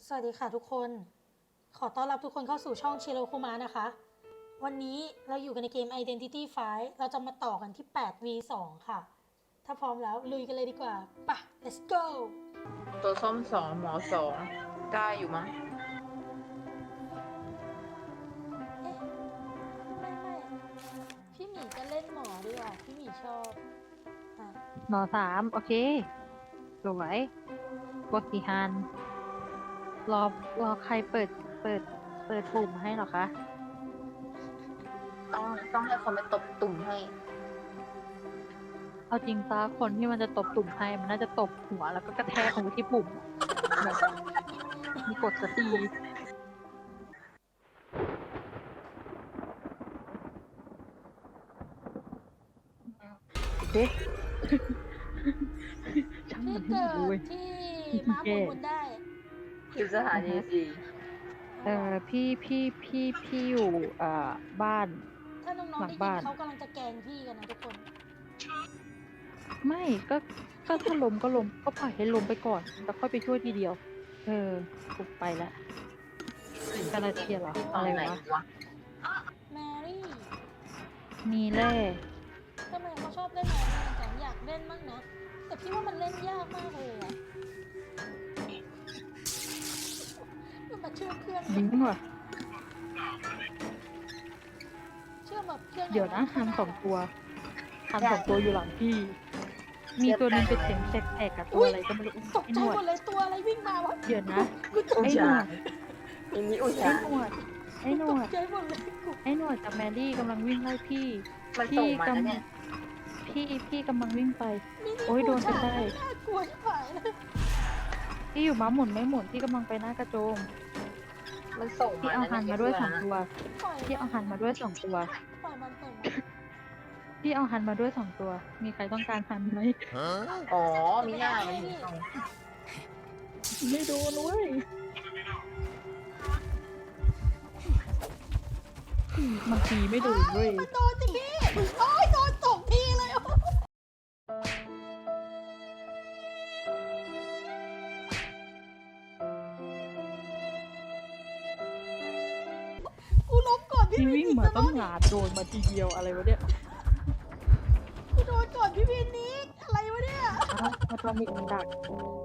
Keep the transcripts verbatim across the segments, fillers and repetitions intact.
สวัสดีค่ะทุกคน ขอต้อนรับทุกคนเข้าสู่ช่องชิโรคุมะนะคะ วันนี้เราอยู่กันในเกม Identity ไฟว์ เราจะมาต่อกันที่ แปด วี สอง ค่ะ ถ้าพร้อมแล้วลุยกันเลยดีกว่าไปะ let's go ตัวส้มสองหมอสองได้อยู่มั้งเอ๊ะ ไม่ไม่พี่หมีจะเล่นหมอด้วยอ่ะพี่หมีชอบอ่ะหมอสามโอเคสวยบทสีฮันรอรอใครเปิดเปิดเปิดปุ่มให้เหรอคะต้องต้องให้คนไปตบตุ่มให้เอาจริงปะคนที่มันจะตบตุ่มให้มันน่าจะตบหัวแล้วก็กระแทกลงไปที่ปุ่มแบบมีกดสตีเด็กช่างพี่มันให้เกิหมดเลยดที่ม้าหมุนหมุนได้อยู่สถานีสี่เออพี่พี่พี่พี่อยู่เอ่อบ้านถ้าน้องๆหลัได้งยิบ้าน นเขากำลังจะแกล้งพี่กันนะทุกคนไม่ก็ก็ถ้าล้มก็ล้มก็ปล่อยให้ล้มไปก่อนแล้วค่อยไปช่วยทีเดียว เออปุบไปแล้วกาลาเทียเหรอตออะนไรไหนวะวะแมรี่มีแร่ทำไมเขาชอบเล่นแมรี่จังอยากเล่นมั่งนะ แต่พี่ว่ามันเล่นยากมากเลยอะมันมาเชื่อมเครื่องยิงว่ะเชื่อมแบบเครื่องเดี๋ยวนะฮันสองตัวฮันสองตัวอยู่หลังพี่ มีตัวหนึงเป็นเสียงแตกๆกับตัวอะไรก็ไม่รู้ตกไอ้ใจหนวหมดดเลยตัวอะไรวิ่งมาวะเดี๋ยวนะกูตกไอ้ใจหนวดอันนี้อุไอ้ชาหนวดไอ้หนตวกดใจหมดเลยกูไอ้หนวดกับแมรี่กำลังวิ่งไล่พี่มันพี่ส่งมาแล้วกำเนี่ยพี่พี่กำลังวิ่งไปนี่โอ๊ยโดนไปได้น่ากลัวชิบหายเลยพี่อยู่ม้าหมุนไม่หมุนพี่กำลังไปหน้ากระโจมมันส่งพี่มาเอาหันมาด้วยสองตัตัวปล่อยพี่เอาหันมาด้วยสองตัวปล่อยมันปล่อยมันพี่เอาหันมาด้วยสองตัว มีใครต้องการหันไหมอ๋อมีหน้ามันถึงส่งไม่โดนเว้ยมันตีไม่โดนเว้ยมันโดนจริงพี่โอ้ยโดนสองทีเลยกูล้มก่อนพี่พี่วินวิ่งอีกมานะต้องหาโดนมาทีเดียวอะไรวะเนี่ยกูโดนก่อนพี่วินนิกอะไรวะเนี่ยอ้าวมาตอนนี้มันดัก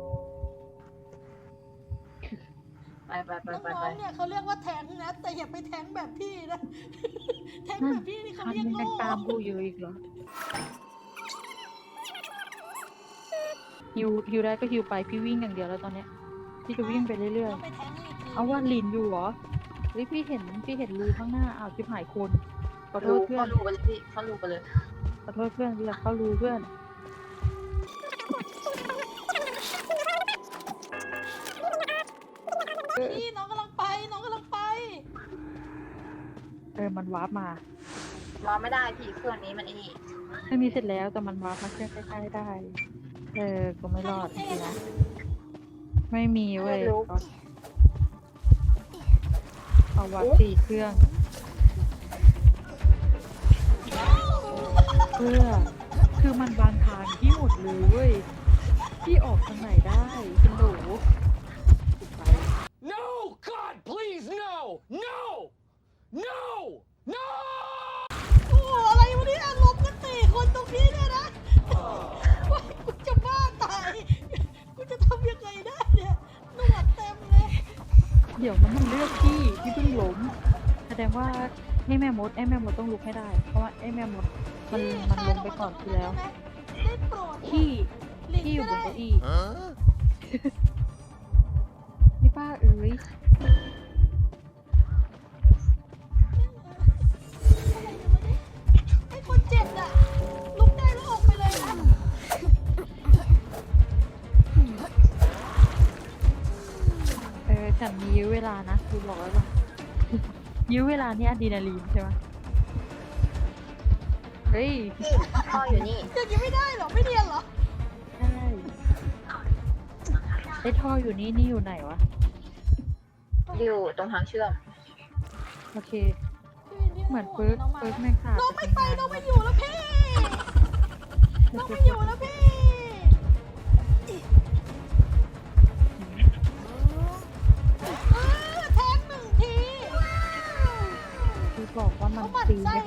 ไปไปไปน้ไปไปองๆเนี่ยเขาเรียกว่าแทงนะ แต่อย่าไปแทงแบบพี่นะ แทงนั่แบนบพี่นี่เขาคันเรียกยังโง่ตามกูอยู่อีกเหรอฮิวฮิวได้ก็ฮิวไปพี่วิ่งอย่างเดียวแล้วตอนเนี้ยพี่จะวิ่งไปเรื่อยต้องไปแทงอีกทีๆเอาว่าลินอยู่เหรอเฮ้ยพี่เห็นพี่เห็นรูข้างหน้าอ้าวชิบหายคนขอโทรูษเพื่อเข้าน รูไปเลยพี่เข้ารูไปเลยขอโทษเพื่อนที่อยากเข้ารูเพื่อนพี่น้องกำลังไปน้องกำลังไปเออมันวาร์ปมารอไม่ได้พี่เครื่องนี้มันไอ้นี่ไม่มีเสร็จแล้วแต่มันวาร์ปมาเชื่อใกล้ๆได้ เออก็ไม่รอดจริงๆนะไม่มีเว้ยเอาเอาวัดสี่เครื่อง เพื่อคือมันวางทางที่หมดเลยเว้ยที่ออกทางไหนได้เป็นโหลไป No! God, please, no! No! No! No! โอ้อะไรวะเนี่ยลมกันสี่คนตรงนี้เนี่ยนะว้ายกูจะบ้าตาย กูจะทำยังไงได้เนี่ยหนวดเต็มเลยเดี๋ยวมันมันเลือกที่ที่เพิ่งล้มแสดงว่าไอ้แม่มดไอ้แม่มดต้องลุกให้ได้ เพราะว่าไอ้แม่มดมันมันลงไปก่อนที่แล้วได้โปรดที่หลีกที่อยู่บไม่นได้เก้าอี้ Huh? นี่ป้าเอ้ยไอ้คนเจ็บอะลุกได้แล้วออกไปเลยนะเออฉันมียื้อเวลานะคุณบอกแล้วป่ะ ยื้อเวลานี่อะดรีนาลีนใช่ไหมเฮ้ยพี่พ่ออยู่นี่เดี๋ยวยังไม่ได้เหรอไม่เรียนเหรอใช่ไอ้ท่ออยู่นี่นี่อยู่ไหนวะอยู่ตรงทางเชื่อมโอเคพี่วินพี่เหมือนห่วงเฟิร์สน้องมาเฟิร์สแม่งขาดน้องไม่ไปจากน้องงาไม่อยู่แล้วพี่น้องไม่อยู่แล้วพี่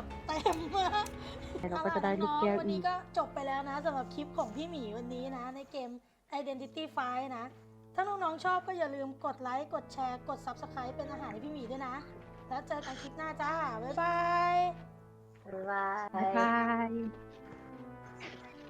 ดเต็มมากเราก็จะได้ลูกแก้ววันอีนี้กก็จบไปแล้วนะสำหรับคลิปของพี่หมีวันนี้นะ ในเกม Identity Five นะ ถ้าน้องๆชอบก็อย่าลืมกดไลค์ กดแชร์ กด Subscribe เป็นอาหารให้พี่หมีด้วยนะ แล้วเจอกันคลิปหน้าจ้า บ๊ายบายบ๊ายบาบ๊ายยบาย